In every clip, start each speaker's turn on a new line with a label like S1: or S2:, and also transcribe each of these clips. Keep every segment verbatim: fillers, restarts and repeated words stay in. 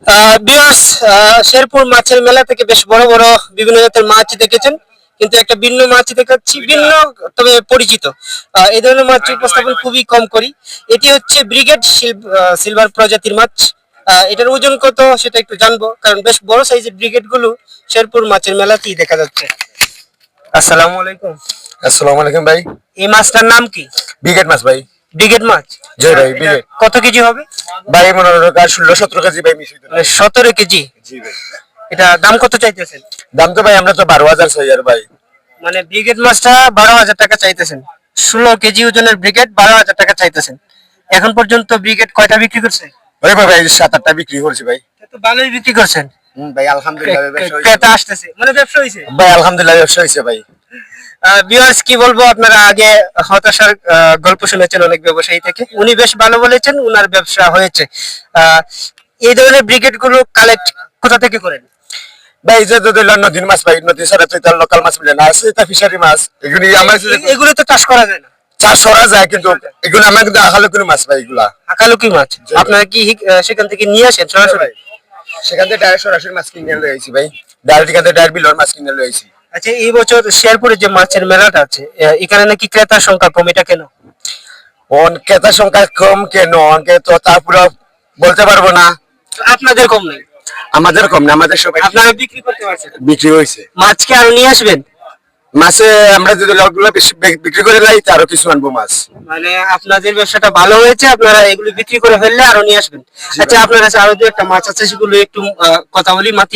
S1: Viewers, Sherpur মাছের মেলা থেকে বেশ বড় বড় বিভিন্ন জাতের মাছ দেখেছেন, কিন্তু একটা ভিন্ন মাছ দেখাচ্ছি, ভিন্ন তবে পরিচিত। আহ, এই ধরনের মাছ উপস্থাপন খুবই কম করি। এটি হচ্ছে ব্রিগেড সিলভার প্রজাতির মাছ। আহ, এটার ওজন কত সেটা একটু জানবো, কারণ বেশ বড় সাইজের ব্রিগেড গুলো শেরপুর মাছের মেলাতেই দেখা যাচ্ছে। আসসালামু আলাইকুম।
S2: আসসালামু আলাইকুম ভাই।
S1: এই মাছটার নাম কি?
S2: ব্রিগেড মাছ ভাই।
S1: ব্রিগেড মাছ?
S2: জি ভাই, ব্রিগেড।
S1: কত কেজি হবে
S2: ভাই মনে হয় ষোলো সতেরো কেজি ভাই মিশিয়ে দিন।
S1: সতেরো কেজি?
S2: জি ভাই।
S1: এটা দাম কত চাইতেছেন?
S2: দাম তো ভাই আমরা তো বারো হাজার চাই আর ভাই।
S1: মানে ব্রিগেড মাছটা বারো হাজার টাকা চাইতেছেন, ষোলো কেজি ওজনের ব্রিগেড বারো হাজার টাকা চাইতেছেন। এখন পর্যন্ত ব্রিগেড কয়টা বিক্রি করছে?
S2: ওই ভাই ভাই সাত আটটা বিক্রি করছি ভাই।
S1: তো ভালোই বিক্রি করছেন।
S2: হুম ভাই আলহামদুলিল্লাহ ব্যবসা হইছে।
S1: ক্রেতা আসতেছে, মানে ব্যবসা হইছে
S2: ভাই আলহামদুলিল্লাহ ব্যবসা হইছে ভাই।
S1: ভিউয়ার্স, কি বলবো, আপনারা আগে হতাশার আহ, গল্প শুনেছেন অনেক ব্যবসায়ী থেকে, উনি বেশ ভালো বলেছেন, উনার ব্যবসা হয়েছে। আহ, এই ধরনের ব্রিগেড গুলো কালেক্ট কোথা থেকে করেন?
S2: ভাই যে তো দিল নদীর মাছ ভাই, নদী ছাড়া তো তার লোকাল মাছ মিলে না, আছে তা ফিশারি মাছ। এগুলি আমরা
S1: এ- এগুলো তো চাষ করা যায় না।
S2: চাষ করা যায় কিন্তু এগুলো আমরা কিন্তু আখালো কোনো মাছ ভাই এগুলা।
S1: আকালুকি মাছ আপনারা কি আহ, সেখান থেকে নিয়ে আসেন সরাসরি?
S2: সেখান থেকে ডাইরেক্ট সরাসরি মাছ কিনে লয়ে আইছি ভাই। ডাইরেক্ট এখান থেকে ডাইরেক্ট বিলর মাছ কিনে লয়ে আইছি।
S1: আচ্ছা, এই বছর শেরপুরে যে মাছের মেলাটা আছে, আহ, এখানে নাকি ক্রেতার সংখ্যা কম, এটা কেন?
S2: অন ক্রেতার সংখ্যা কম কেন অনকে তো তারপরে বলতে পারবো না।
S1: আপনাদের কম নেই?
S2: আমাদের কম না, আমাদের সবাই
S1: আপনারা বিক্রি করতে পারছেন?
S2: বিক্রি হয়েছে।
S1: মাছ কি আরো নিয়ে আসবেন?
S2: মাছে আমরা যদি লটগুলো বেশি বিক- বিক্রি করে লাই আরো কিছু আনবো মাছ।
S1: মানে আপনাদের ব্যবসাটা ভালো হয়েছে, আপনারা এগুলো বিক্রি করে ফেললে আরো নিয়ে আসবেন। আচ্ছা, আপনার কাছে আরো দু একটা মাছ আছে, সেগুলো একটু আহ, কথা বলি মাতি।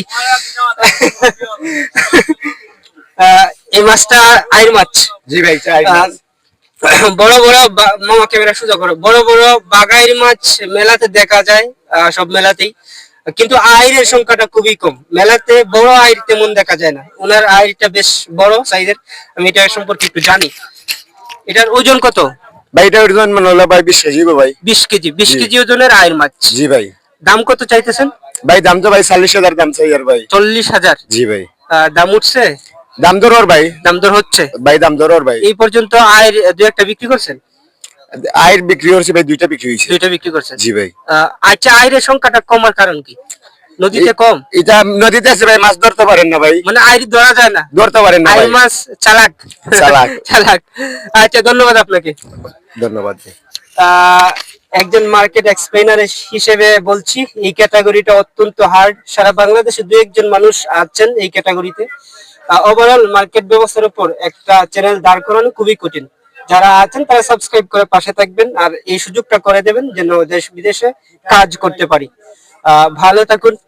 S1: আহ, এই মাছটা আইর মাছ।
S2: জি ভাই চাই
S1: আহ, বড় বড় বা- মামা ক্যামেরা সোজা করো, বড় বড় বাগাইর মাছ মেলাতে দেখা যায়, আহ, সব মেলাতেই, কিন্তু আইরের সংখ্যাটা খুবই কম। মেলাতে বড় আইর তেমন দেখা যায় না, ওনার আইরটা বেশ বড় সাইজের। আমি এটা সম্পর্কে একটু জানি। এটার ওজন কত?
S2: ভাই এটা ওজন মানে হলো ভাই বিশ কেজি গো ভাই।
S1: বিশ কেজি? বিশ
S2: জি।
S1: কেজি ওজনের আইর মাছ।
S2: জি ভাই।
S1: দাম কত চাইতেছেন?
S2: ভাই দাম তো ভাই চল্লিশ হাজার দাম চাই আর ভাই।
S1: চল্লিশ হাজার?
S2: জি ভাই।
S1: আহ, দাম উঠছে?
S2: দাম দর ওর ভাই।
S1: দাম দর হচ্ছে?
S2: ভাই দাম দর ওর ভাই।
S1: এই পর্যন্ত আয়ের দু একটা বিক্রি করছেন?
S2: আয়ের বিক্রি হচ্ছে ভাই, দুইটা বিক্রি হয়েছে।
S1: দুইটা বিক্রি করছেন?
S2: জি ভাই।
S1: আহ, আচ্ছা, আয়ের সংখ্যাটা কমার কারণ কি? নদীতে
S2: এ-
S1: কম?
S2: এটা নদীতে আছে ভাই, মাছ ধরতে পারেন না ভাই।
S1: মানে আইর ধরা যায় না?
S2: ধরতে পারেন না
S1: আইর
S2: ভাই।
S1: মাছ চালাক।
S2: চালাক।
S1: চালাক। আচ্ছা, ধন্যবাদ আপনাকে।
S2: ধন্যবাদ ভাই।
S1: আহ, একজন মার্কেট এক্সপ্লেনার হিসেবে বলছি, এই ক্যাটাগরিটা অত্যন্ত হার্ড। সারা বাংলাদেশে দু একজন মানুষ আছেন এই ক্যাটাগরিতে। ওভারঅল মার্কেট ব্যবস্থার উপর একটা চ্যানেল দাঁড় করানো খুবই কঠিন। যারা আছেন তারা সাবস্ক্রাইব করে পাশে থাকবেন, আর এই সুযোগটা করে দেবেন যেন দেশ বিদেশে কাজ করতে পারি। আহ ভালো থাকুন।